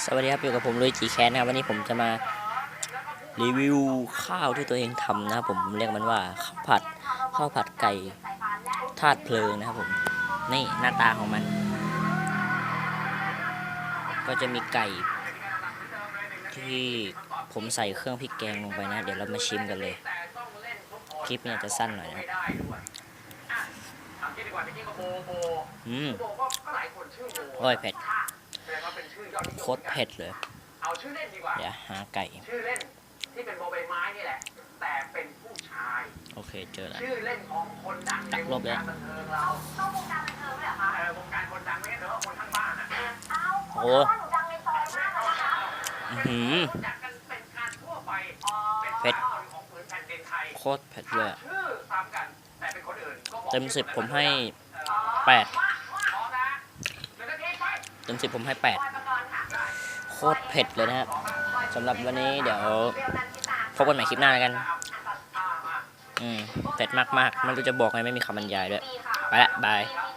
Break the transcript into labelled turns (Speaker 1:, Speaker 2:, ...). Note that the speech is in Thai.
Speaker 1: สวัสดีครับอยู่กับผมลุยจีแคสนะครับวันนี้ผมจะมารีวิวข้าวที่ตัวเองทำนะครับผมเรียกมันว่าข้าวผัดไก่ธาตุเพลิงนะครับผมนี่หน้าตาของมันก็จะมีไก่ที่ผมใส่เครื่องพริกแกงลงไปนะเดี๋ยวเรามาชิมกันเลยคลิปนี้จะสั้นหน่อยนะครับโอ้ยเผ็ดโคตรเผ็ดเลยเดี๋ยวหาไก่
Speaker 2: ชื่อเล่นที่เป็นโบใบไม้นี่แหละแต่เป็นผู้ชาย
Speaker 1: โอเคเจอแล้ว
Speaker 2: ชื่อเล่นของคนดังในวงการบันเทิงเราต้องวงการบันเทิงด้วยเหรอคะวงการคนดังไม่ใช่เนอะคนทั้งบ้านอ่ะ
Speaker 1: โอ้เผ็ดโคตรเผ็ดเลยเต็ม10ผมให้8เต็ม10ผมให้8โคตรเผ็ดเลยนะครับสำหรับวันนี้เดี๋ยวพบกันใหม่คลิปหน้าแล้วกันเผ็ดมากๆไม่รู้จะบอกไงไม่มีคำบรรยายด้วยไปละบาย